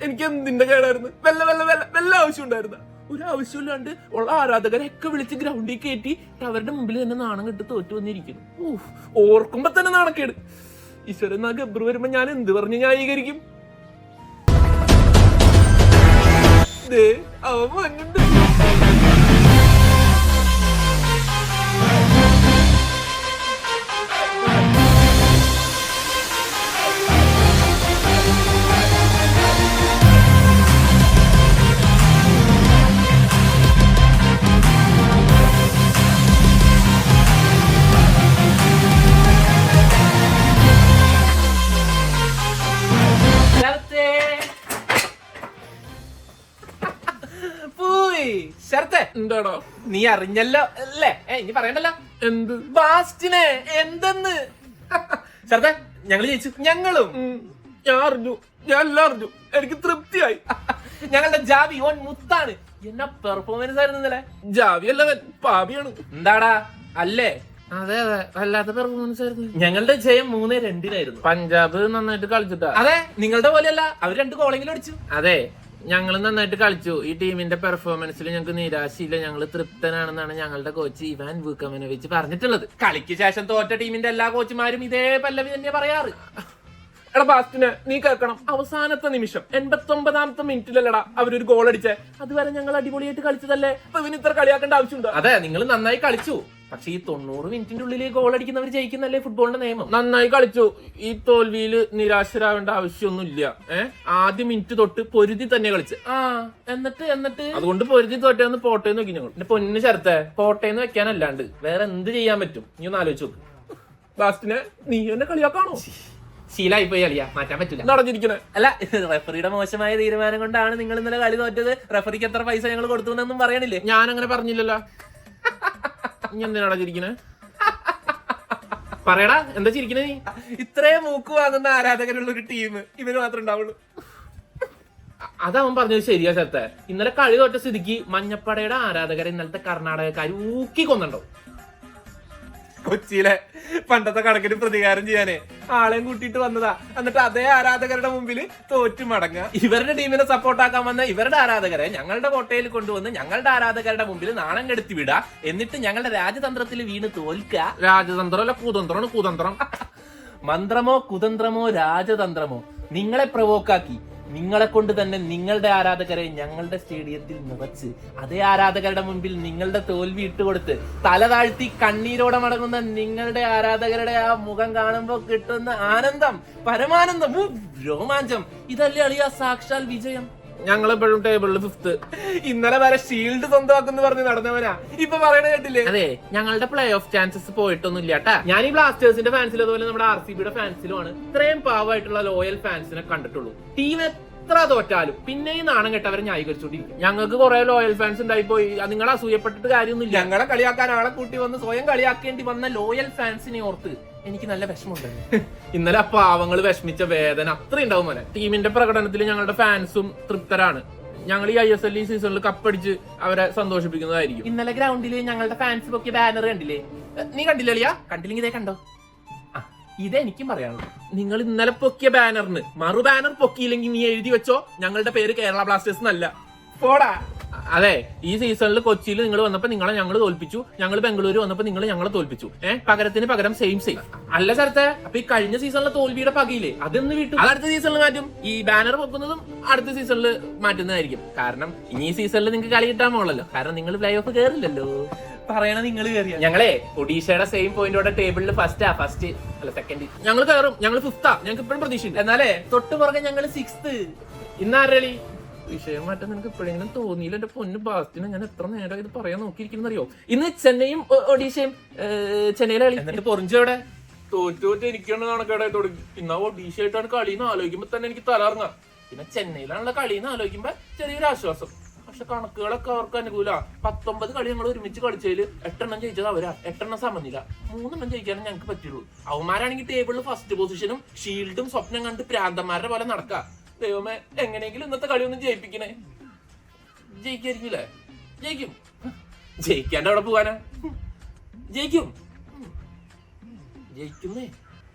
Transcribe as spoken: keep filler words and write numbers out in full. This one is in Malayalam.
എനിക്ക് എന്തിന്റെ കേടായിരുന്നു? വല്ല വല്ല വല്ല വല്ല ആവശ്യം ഉണ്ടായിരുന്ന? ഒരു ആവശ്യമില്ലാണ്ട് ഉള്ള ആരാധകരെയൊക്കെ വിളിച്ച് ഗ്രൗണ്ടിൽ കയറ്റി അവരുടെ മുമ്പിൽ തന്നെ നാണം കെട്ട് തോറ്റു വന്നിരിക്കുന്നു. ഓഹ്, ഓർക്കുമ്പോ തന്നെ നാണക്കേട്. ഈശ്വരൻ, ആ ഗബ്രു വരുമ്പോ ഞാൻ എന്ത് പറഞ്ഞ് ന്യായീകരിക്കും? അവൻ വന്നിട്ട് എന്താടോ? നീ അറിഞ്ഞല്ലോ അല്ലേ? ഇനി പറയണ്ടല്ലോ. എന്ത്? ബാസ്റ്റിനെ എന്തെന്ന്? ശരത്തെ, ഞങ്ങള് ജയിച്ചു. ഞങ്ങളും ഞാൻ അറിഞ്ഞു, ഞാൻ എല്ലാം അറിഞ്ഞു. എനിക്ക് തൃപ്തിയായി. ഞങ്ങളുടെ ജാവി ഓൻ മുത്താണ്. എന്നാ പെർഫോമൻസ് ആയിരുന്നു ഇന്നലെ. ജാവി അല്ലവൻ പാപിയാണ്. എന്താടാ അല്ലേ? അതെ അതെ, വല്ലാത്ത പെർഫോമൻസ് ആയിരുന്നു. ഞങ്ങളുടെ ജയം മൂന്നേ രണ്ടിനായിരുന്നു. പഞ്ചാബ് നന്നായിട്ട് കളിച്ചിട്ടാ. അതെ, നിങ്ങളുടെ പോലെയല്ല, അവർ രണ്ട് ഗോളെങ്കിലും അടിച്ചു. അതെ, ഞങ്ങൾ നന്നായിട്ട് കളിച്ചു. ഈ ടീമിന്റെ പെർഫോമൻസിൽ ഞങ്ങൾക്ക് നിരാശയില്ല, ഞങ്ങൾ തൃപ്തനാണെന്നാണ് ഞങ്ങളുടെ കോച്ച് ഇവാൻ വൂക്കമനോവിച്ച് പറഞ്ഞിട്ടുള്ളത്. കളിക്ക് ശേഷം തോറ്റ ടീമിന്റെ എല്ലാ കോച്ചുമാരും ഇതേ പല്ലവി തന്നെ പറയാറ്. എടാ ബാസ്റ്റിന് നീ കേൾക്കണം, അവസാനത്തെ നിമിഷം എൺപത്തി ഒമ്പതാമത്തെ മിനിറ്റിലല്ലടാ അവരൊരു ഗോൾ അടിച്ചേ. അതുവരെ ഞങ്ങൾ അടിപൊളിയായിട്ട് കളിച്ചതല്ലേ, അപ്പൊ ഇവന് ഇത്ര കളിയാക്കേണ്ട ആവശ്യമുണ്ടോ? അതെ, നിങ്ങൾ നന്നായി കളിച്ചു. പക്ഷെ ഈ തൊണ്ണൂറ് മിനിറ്റിന്റെ ഉള്ളിൽ ഗോൾ അടിക്കുന്നവർ ജയിക്കുന്നല്ലേ ഫുട്ബോളിന്റെ നിയമം. നന്നായി കളിച്ചു. ഈ തോൽവിയില് നിരാശരാവേണ്ട ആവശ്യമൊന്നുമില്ല. ഏഹ് ആദ്യ മിനിറ്റ് തൊട്ട് പൊരുതി തന്നെ കളിച്ച്. ആ എന്നിട്ട് എന്നിട്ട് അതുകൊണ്ട് പൊരുതി തോറ്റേന്ന് പോട്ടേന്ന് വെക്കി ഞങ്ങൾ. എന്റെ പൊന്നു ചേർത്തെ, പോട്ടേന്ന് വെക്കാനല്ലാണ്ട് വേറെ എന്ത് ചെയ്യാൻ പറ്റും? നീ ഒന്ന് ആലോചിച്ച് നോക്ക്. ലാസ്റ്റിനെ നീ എന്നെ കളിയാക്കാണോ? ശീലായി പോയി കളിയാ, മാറ്റാൻ പറ്റില്ല. നടഞ്ഞിരിക്കണേ അല്ല, റെഫറിയുടെ മോശമായ തീരുമാനം കൊണ്ടാണ് നിങ്ങൾ ഇന്നലെ കളി തോറ്റത്. റെഫറിക്ക് എത്ര പൈസ ഞങ്ങൾ കൊടുത്തു എന്നൊന്നും പറയണില്ലേ? ഞാൻ അങ്ങനെ പറഞ്ഞില്ലല്ലോ. നീ എന്തിനാടാ ചിരിക്കണേ? പറയടാ, എന്താ ചിരിക്കണേ നീ? ഇത്രയും മൂക്ക് വാങ്ങുന്ന ആരാധകരുള്ള ഒരു ടീം ഇവര് മാത്രമേ ഉണ്ടാവുള്ളൂ. അതവൻ പറഞ്ഞത് ശരിയാ ചേർത്തെ. ഇന്നലെ കളി തോറ്റ സ്ഥിതിക്ക് മഞ്ഞപ്പടയുടെ ആരാധകരെ ഇന്നലത്തെ കർണാടകക്കാർ ഊക്കി കൊന്നുണ്ടോ? കൊച്ചിയിലെ പണ്ടത്തെ കണക്കിന് പ്രതികാരം ചെയ്യാനേ ആളെയും കൂട്ടിയിട്ട് വന്നതാ. എന്നിട്ട് അതേ ആരാധകരുടെ മുമ്പിൽ തോറ്റു മടങ്ങുക. ഇവരുടെ ടീമിനെ സപ്പോർട്ടാക്കാൻ വന്ന ഇവരുടെ ആരാധകരെ ഞങ്ങളുടെ കോട്ടയിൽ കൊണ്ടുവന്ന് ഞങ്ങളുടെ ആരാധകരുടെ മുമ്പിൽ നാണം കെടുത്തി വിടുക. എന്നിട്ട് ഞങ്ങളുടെ രാജതന്ത്രത്തിൽ വീണ് തോൽക്കുക. രാജതന്ത്രം അല്ല, കുതന്ത്രമാണ്. കുതന്ത്രം മന്ത്രമോ കുതന്ത്രമോ രാജതന്ത്രമോ നിങ്ങളെ പ്രവോക്കാക്കി നിങ്ങളെ കൊണ്ട് തന്നെ നിങ്ങളുടെ ആരാധകരെ ഞങ്ങളുടെ സ്റ്റേഡിയത്തിൽ നിറച്ച് അതേ ആരാധകരുടെ മുമ്പിൽ നിങ്ങളുടെ തോൽവി ഇട്ടുകൊടുത്ത് തല താഴ്ത്തി കണ്ണീരോടെ മടങ്ങുന്ന നിങ്ങളുടെ ആരാധകരുടെ ആ മുഖം കാണുമ്പോൾ കിട്ടുന്ന ആനന്ദം, പരമാനന്ദം, രോമാഞ്ചം, ഇതല്ലേ അളിയ സാക്ഷാൽ വിജയം. ഞങ്ങളെപ്പോഴും ടേബിളിൽ ഫിഫ്ത്ത്. ഇന്നലെ വരെ ഷീൽഡ് സ്വന്തമാക്കുന്നു പറഞ്ഞ് നടന്നവനാ ഇപ്പൊ പറയണ കേട്ടില്ലേ? അതെ, ഞങ്ങളുടെ പ്ലേ ഓഫ് ചാൻസസ് പോയിട്ടൊന്നും ഇല്ല കേട്ടാ. ഞാൻ ഈ ബ്ലാസ്റ്റേഴ്സിന്റെ ഫാൻസിലും അതുപോലെ നമ്മുടെ ആർ സി ബിയുടെ ഫാൻസിലുമാണ് ഇത്രയും പാവമായിട്ടുള്ള ലോയൽ ഫാൻസിനെ കണ്ടിട്ടുള്ളൂ. ടീം എത്ര തോറ്റാലും പിന്നെയും നാണം കെട്ടവരെ ന്യായീകരിച്ചോണ്ടിരിക്കും. ഞങ്ങൾക്ക് കുറെ ലോയൽ ഫാൻസ് ഉണ്ടായിപ്പോയി. നിങ്ങൾ അസൂയപ്പെട്ടിട്ട് കാര്യമൊന്നുമില്ല. ഞങ്ങളെ കളിയാക്കാൻ ആളെ കൂട്ടി വന്ന് സ്വയം കളിയാക്കേണ്ടി വന്ന ലോയൽ ഫാൻസിനെ ഓർത്ത് എനിക്ക് നല്ല വിഷമമുണ്ട്. ഇന്നലെ ആ പാവങ്ങൾ വിഷമിച്ച വേദന അത്ര ഉണ്ടാവും മോനെ. ടീമിന്റെ പ്രകടനത്തിൽ ഞങ്ങളുടെ ഫാൻസും തൃപ്തരാണ്. ഞങ്ങൾ ഈ ഐ എസ് എൽ ഈ സീസണിൽ കപ്പടിച്ച് അവരെ സന്തോഷിപ്പിക്കുന്നതായിരിക്കും. ഇന്നലെ ഗ്രൗണ്ടിൽ ഞങ്ങളുടെ ഫാൻസ് പൊക്കിയ ബാനർ കണ്ടില്ലേ? നീ കണ്ടില്ല അളിയാ? കണ്ടില്ലെങ്കിൽ ഇതേ കണ്ടോ? ഇതെനിക്കും പറയാനുള്ളൂ. നിങ്ങൾ ഇന്നലെ പൊക്കിയ ബാനറിന് മറു ബാനർ പൊക്കിയില്ലെങ്കിൽ നീ എഴുതി വെച്ചോ, ഞങ്ങളുടെ പേര് കേരള ബ്ലാസ്റ്റേഴ്സ് എന്നല്ല. പോടാ. അതെ, ഈ സീസണിൽ കൊച്ചിയിൽ നിങ്ങൾ വന്നപ്പോ നിങ്ങളെ ഞങ്ങൾ തോൽപ്പിച്ചു, ഞങ്ങൾ ബംഗളൂരു വന്നപ്പോ നിങ്ങൾ ഞങ്ങളെ തോൽപ്പിച്ചു. ഏഹ് പകരത്തിന് പകരം സെയിം സെയിം അല്ല സ്ഥലത്തെ. അപ്പൊ ഈ കഴിഞ്ഞ സീസണിലെ തോൽവിയുടെ പകയില്ലേ അതൊന്ന് വിട്ടു. അത് അടുത്ത സീസണിൽ മാറ്റും. ഈ ബാനർ പൊക്കുന്നതും അടുത്ത സീസണിൽ മാറ്റുന്നതായിരിക്കും. കാരണം ഇനി ഈ സീസണിൽ നിങ്ങൾക്ക് കളി കിട്ടാൻ പോകണല്ലോ. കാരണം നിങ്ങൾ പ്ലേ ഓഫ് കയറില്ലല്ലോ. പറയണ നിങ്ങൾ കയറിയ ഞങ്ങളെ ഒഡീഷയുടെ സെയിം പോയിന്റോടെ ടേബിളിൽ ഫസ്റ്റാ. ഫസ്റ്റ് അല്ല സെക്കൻഡ്. ഞങ്ങൾ കയറും. ഞങ്ങൾ ഫിഫ്താ. ഞങ്ങൾക്ക് ഇപ്പോഴും പ്രതീക്ഷയുണ്ട്. എന്നാലേ തൊട്ട് പുറകെ ഞങ്ങൾ സിക്സ്ത്. ഇന്നാരളി വിഷയം മാറ്റാൻ നിനക്ക് എപ്പോഴെങ്കിലും തോന്നിയില്ല? എന്റെ പൊന്ന് ബാസ്റ്റിന് ഞാൻ എത്ര നേരം ഇത് പറയാൻ നോക്കിയിരിക്കുന്നറിയോ? ഇന്ന് ചെന്നൈയും ഒഡീഷയും ചെന്നൈയിലെ കളി. എന്നിട്ട് പൊറിഞ്ചോടെ തോറ്റോറ്റ് എനിക്കാണ് കണക്കേടായി തുടങ്ങി. ഇന്നാ ഒഡീഷയായിട്ടാണ് കളിന്ന് ആലോചിക്കുമ്പോ തന്നെ എനിക്ക് തലറങ്ങാം. പിന്നെ ചെന്നൈയിലാണുള്ള കളിന്ന് ആലോചിക്കുമ്പോ ചെറിയൊരു ആശ്വാസം. പക്ഷെ കണക്കുകളൊക്കെ അവർക്ക് അനുകൂല. പത്തൊമ്പത് കളി ഞങ്ങൾ ഒരുമിച്ച് കളിച്ചതിൽ എട്ടെണ്ണം ജയിച്ചത് അവരാ. എട്ടെണ്ണം സമനില. മൂന്നെണ്ണം ജയിക്കാനും ഞങ്ങൾക്ക് പറ്റുള്ളൂ. അവന്മാരാണെങ്കിൽ ടേബിളിൽ ഫസ്റ്റ് പൊസിഷനും ഷീൽഡും സ്വപ്നം കണ്ട് പ്രാന്തന്മാരുടെ പോലെ നടക്കുക. ദൈവമേ, എങ്ങനെയെങ്കിലും ഇന്നത്തെ കളി ഒന്നും ജയിപ്പിക്കണേ. ജയിക്കായിരിക്കൂലേ? ജയിക്കും. ജയിക്കാണ്ട് അവിടെ പോവാനാ? ജയിക്കും. ജയിക്കുന്നേ.